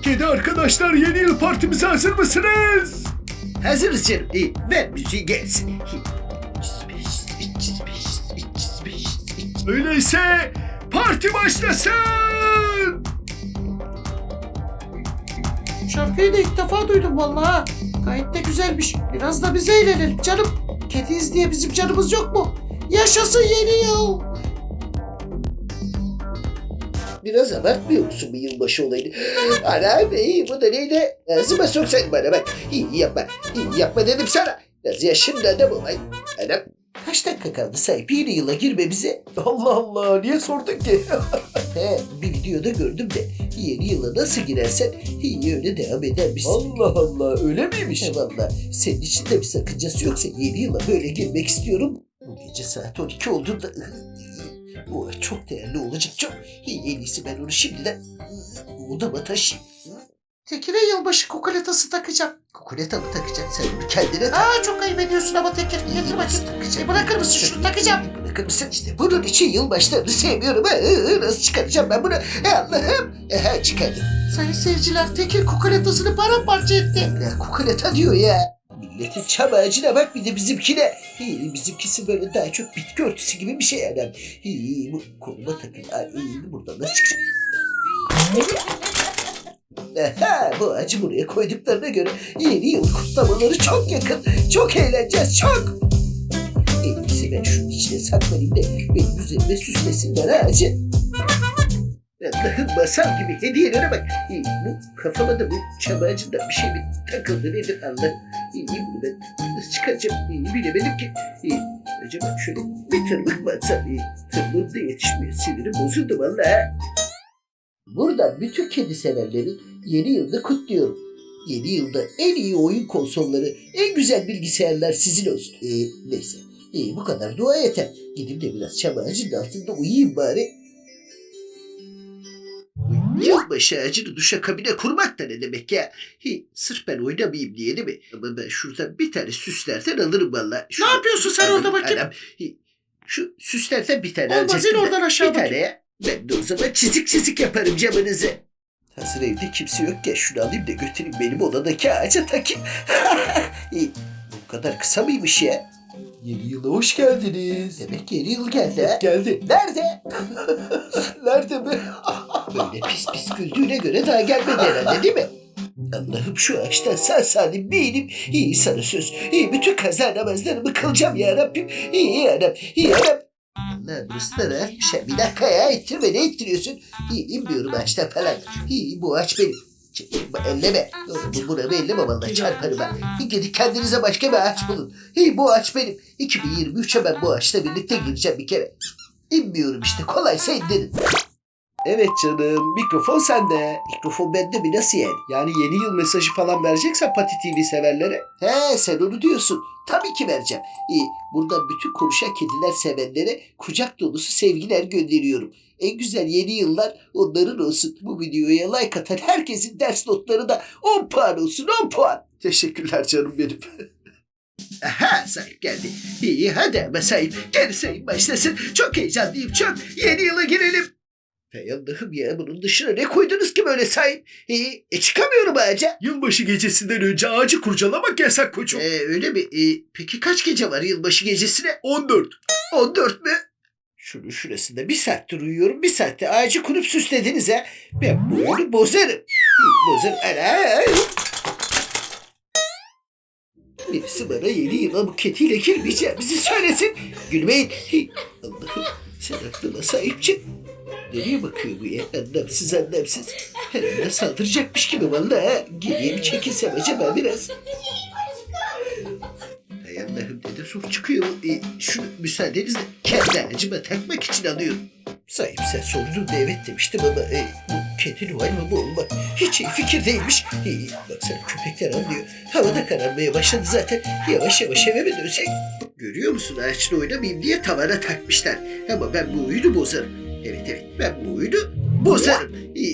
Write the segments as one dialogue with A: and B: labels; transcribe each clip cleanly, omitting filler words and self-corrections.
A: Kedi arkadaşlar, yeni yıl partimize hazır mısınız?
B: Hazırız canım. Ver müziği gelsin.
A: Öyleyse parti başlasın.
C: Şarkıyı da ilk defa duydum vallahi. Gayet de güzelmiş. Biraz da bize eğlenelim canım. Kediyiz diye bizim canımız yok mu? Yaşasın yeni yıl.
B: Biraz abartmıyor musun bu yılbaşı olayını? Anam bu da neydi? Ağzıma soksaydın bana bak. İyi yapma. İyi yapma dedim sana. Biraz yaşında adam olay. Anam. Kaç dakika kaldı sahip yeni yıla girmemize?
A: Allah Allah, niye sordun ki?
B: Bir videoda gördüm de yeni yıla nasıl girersen iyi öyle devam edermişsin.
A: Allah Allah, öyle miymiş?
B: Valla senin için de bir sakıncası yoksa yeni yıla böyle girmek istiyorum. Bu gece saat 12 olduğunda bu çok değerli olacak çok. En iyisi ben onu şimdiden odama taşıyayım.
C: Tekir'e yılbaşı kokoletası takacağım.
B: Kokoleta mı takacaksın sen onu kendine tak.
C: Çok ayıp ediyorsun ama Tekir. Getir bakayım. Bırakır mısın şunu takacağım.
B: Bırakır mısın işte bunun için yılbaşlarını sevmiyorum. Nasıl çıkaracağım ben bunu? Allah'ım. Çıkardım.
C: Sayın seyirciler, Tekir kokoletasını paramparça etti.
B: Ya kokoleta diyor ya. Milletin çam ağacına bak bir de bizimkine. Bizimkisi böyle daha çok bitki örtüsü gibi bir şey yani. Bu koluma takın. Buradan nasıl çıkacak? Bu ağacı buraya koyduklarına göre yeni yıl kutlamaları çok yakın. Çok eğleneceğiz çok. En iyisi ben şunun içine saklanayım da benim üzerime süslesinler ağacı. Allah'ım masal gibi hediyelere bak. Bu kafama da bu çam ağacından bir şey mi takıldı nedir Allah'ım. Bunu ben nasıl çıkaracağım bilemedim ki. Acaba şöyle bir tırmık mı atsam? Tırmığım da yetişmiyor. Sinirim bozuldu vallahi. Buradan bütün kedi severlerin yeni yılda kutluyorum. Yeni yılda en iyi oyun konsolları, en güzel bilgisayarlar sizin olsun. Neyse. Bu kadar dua yeter. Gidip de biraz çam ağacının altında uyuyayım bari. Yılbaşı ağacını duşakabine kurmak da ne demek ya? Sırf ben oynamayayım diye değil mi? Ama ben şuradan bir tane süslerden alırım valla.
C: Ne yapıyorsun sen orada bakayım?
B: Şu süslerden bir tane
C: Olmaz,
B: alacaktım.
C: in oradan aşağı
B: bir tane
C: bakayım.
B: ya. Ben de o zaman çizik yaparım camınızı. Hazır evde kimse yokken şunu alayım da götüreyim benim odadaki ağaca takayım. Bu kadar kısa mıymış ya?
A: Yeni yıla hoş geldiniz.
B: Demek yeni yıl geldi ha.
A: Geldi.
B: Nerede?
A: Nerede mi?
B: Böyle pis pis güldüğüne göre daha gelmedi herhalde değil mi? Allah'ım şu ağaçtan sağ salim bir inip sana söz. Bütün kaza namazlarımı kılacağım ya Rabbim. Ya Rabbim. Allah burası da rahatmış ha. Bir dakika ya ittirme ne ittiriyorsun? İnmiyorum ağaçtan falan. Bu ağaç benim. Elleme. Buramı elleme vallahi çarparım ha. Gidin kendinize başka bir ağaç bulun. Bu ağaç benim. 2023'e ben bu ağaçla birlikte gireceğim bir kere. İnmiyorum işte kolaysa indirin.
A: Evet canım, mikrofon sende.
B: Mikrofon bende mi nasıl yani?
A: Yani yeni yıl mesajı falan vereceksen Pati TV severlere.
B: Sen onu diyorsun. Tabii ki vereceğim. Buradan bütün konuşan kediler sevenlere kucak dolusu sevgiler gönderiyorum. En güzel yeni yıllar onların olsun. Bu videoya like atan herkesin ders notları da 10 puan olsun 10 puan.
A: Teşekkürler canım benim.
B: Aha sahip geldi. Hadi ama sahip. Gel sayın başlasın. Çok heyecanlıyım çok. Yeni yıla girelim. Hay Allah'ım ya bunun dışına ne koydunuz ki böyle sahip? Çıkamıyorum ağaca.
A: Yılbaşı gecesinden önce ağacı kurcalamak yasak koçum.
B: Öyle mi? Peki kaç gece var yılbaşı gecesine?
A: 14.
B: 14 mü? Şunun şurasında bir saattir uyuyorum. Bir saatte ağacı kurup süslediniz ha. Ben bu oyunu bozarım. Bozarım. Ana! Birisi bana yeni yıla bu kediyle girmeyeceğimizi söylesin. Gülmeyin. Allah'ım sen aklıma sahip çık. Nereye bakıyor bu ya? Anlamsız. Herhalde saldıracakmış gibi vallahi ha. Geriye bir çekilsem acaba biraz. Hay Allah'ım ne de zor çıkıyor. Şunu müsaadenizle kendi ağacıma takmak için alıyorum. Sahip sen sorunun da evet demiştim ama bu kedi Noel mı bu olma? Hiç iyi fikir değilmiş. Baksana köpekler anlıyor. Havada kararmaya başladı zaten. Yavaş yavaş eve mi dönsek? Görüyor musun ağaçla oynamayayım diye tavana takmışlar. Ama ben bu oyunu bozarım. Evet ben bu oyunu bozarım.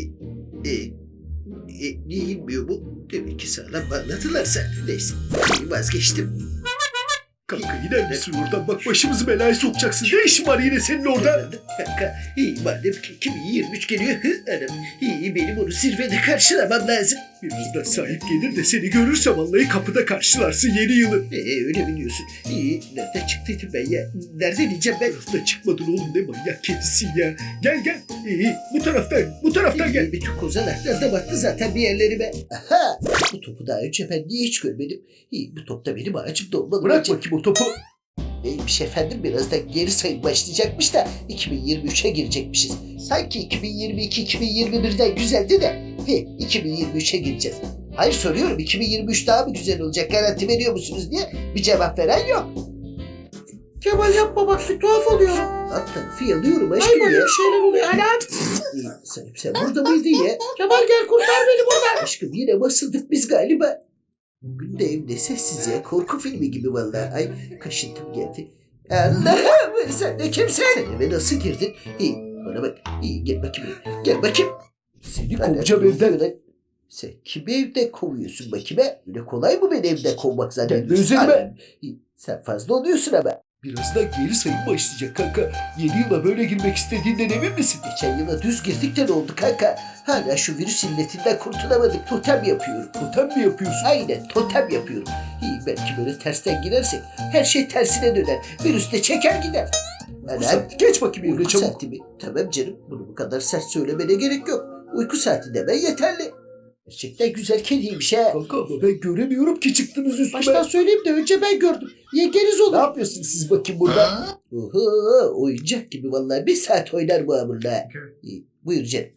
B: Niye inmiyor bu? Demek ki sağlam anladılarsa. Neyse vazgeçtim.
A: Kanka iner misin oradan? Bak başımızı belaya sokacaksın. Ne işin var yine senin orada?
B: Kanka madem ki 2023 geliyor. Anam, benim onu zirvede karşılamam lazım.
A: Birazdan sahip gelir de seni görürse vallahi kapıda karşılarsın yeni yılı.
B: Öyle biliyorsun. Nereden çıktıydım ben ya? Nereden diyeceğim ben?
A: Tarafta çıkmadın oğlum, ne manyak kedisin ya. Gel gel. Bu taraftan gel.
B: Bütün kozalaklar da battı zaten bir yerlerime. Aha! Bu topu daha önce ben niye hiç görmedim? Bu top da benim ağacımda olmalı.
A: Bırak
B: bence.
A: bakayım o topu.
B: Neymiş efendim, birazdan geri sayım başlayacakmış da 2023'e girecekmişiz. Sanki 2022-2021'den güzeldi de 2023'e gireceğiz. Hayır soruyorum, 2023 daha mı güzel olacak, garanti veriyor musunuz diye bir cevap veren yok.
C: Kemal yapma bak bir tuhaf oluyorum.
B: Alt tarafı yalıyorum
C: Ay
B: aşkım
C: böyle
B: ya.
C: bir şeyler oluyor. Anam.
B: Sen burada mıydın ya?
C: Kemal gel kurtar beni buradan.
B: Aşkım yine basıldık biz galiba. Bugün de evde sessiz ya, korku filmi gibi vallahi. Ay kaşıntım geldi. Allah'ım, sen de kimsin? Sen eve nasıl girdin? Bana bak. Gel bakayım. Gel bakayım.
A: Seni
B: Bana
A: kovacağım
B: dur
A: evden.
B: lan. Sen kimi evden kovuyorsun bakayım ha? Öyle kolay mı beni evden kovmak zannediyorsun?
A: Gelme üzerime.
B: Anam, sen fazla oluyorsun ama.
A: Birazdan geri sayım başlayacak kanka. Yeni yıla böyle girmek istediğinden emin misin?
B: Geçen yıla düz girdik de ne oldu kanka? Hala şu virüs illetinden kurtulamadık. Totem yapıyorum.
A: Totem mi yapıyorsun?
B: Aynen totem yapıyorum. Belki böyle tersten girersek her şey tersine döner. Virüs de çeker gider.
A: Bu saat geç bakayım yerine
B: Uyku
A: çabuk.
B: saati mi? Tamam canım, bunu bu kadar sert söylemene gerek yok. Uyku saati demen yeterli. Gerçekten güzel kediymiş ha.
A: Kanka ama ben göremiyorum ki çıktınız üstüme.
C: Baştan söyleyeyim de önce ben gördüm. Yengeniz
A: Ne
C: olur.
A: yapıyorsunuz siz bakayım burada?
B: Oho, oyuncak gibi vallahi, bir saat oynar bu hamurla. Buyur canım.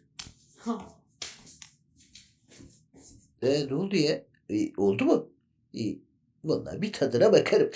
B: Ne oldu ya? Oldu mu? Vallahi bir tadına bakarım.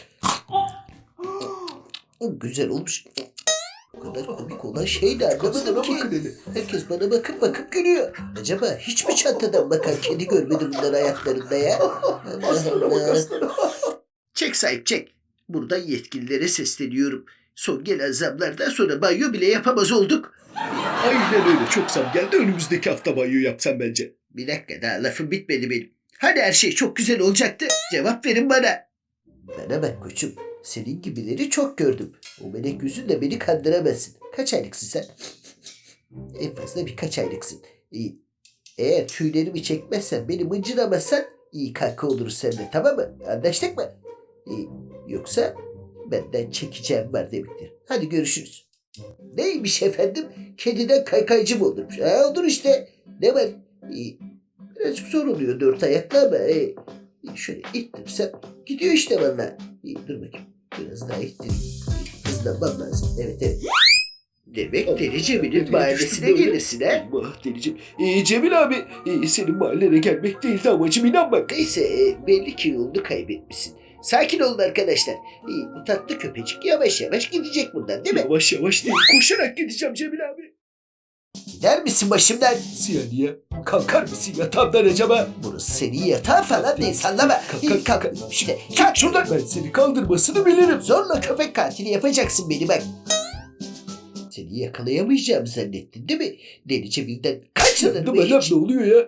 B: Güzel olmuş. Bu kadar komik olan şey de anlamadım
A: Kaslara
B: ki.
A: bakın hele.
B: Herkes bana bakıp gülüyor. Acaba hiç mi çantadan bakan kedi görmedi bunlar hayatlarında ya?
A: Aslara bak aslara.
B: Çek sahip çek. Buradan yetkililere sesleniyorum. Son gelen zamlardan sonra banyo bile yapamaz olduk.
A: Aynen öyle, çok zam geldi, önümüzdeki hafta banyo yapsam bence.
B: Bir dakika, daha lafım bitmedi benim. Hani her şey çok güzel olacaktı? Cevap verin bana. Bana bak koçum. Senin gibileri çok gördüm. O melek yüzünle beni kandıramazsın. Kaç aylıksın sen? En fazla birkaç aylıksın. Eğer tüylerimi çekmezsen, beni mıncıramazsan iyi kanka oluruz seninle, tamam mı? Anlaştık mı? Yoksa benden çekeceğim var demektir. Hadi görüşürüz. Neymiş efendim? Kediden kaykaycı mı olurmuş? Olur işte. Ne var? Birazcık zor oluyor dört ayakta ama şöyle ittirirsem gidiyor işte valla. Dur bakayım. Biraz daha ittireyim. Hızlanmam lazım. Evet. Demek Deli Cemil'in mahallesine gelirsin ha?
A: Allah Delicim. Cemil abi, senin mahallene gelmek değildi amacım, inan bak.
B: Neyse, belli ki yolunu kaybetmişsin. Sakin olun arkadaşlar. Bu tatlı köpecik yavaş yavaş gidecek buradan değil mi?
A: Yavaş yavaş değil, koşarak gideceğim Cemil abi.
B: Gider misin başımdan?
A: Siyaniye, kalkar mısın yatağımdan acaba?
B: Burası senin yatağın falan değil, sallama. Kalk. İşte kalk şuradan.
A: Ben seni kaldırmasını bilirim.
B: Zorla köpek katili yapacaksın beni bak. Seni yakalayamayacağımı zannettin değil mi? Deli Cemil'den kaçılır mı hiç?
A: Ne oluyor ya?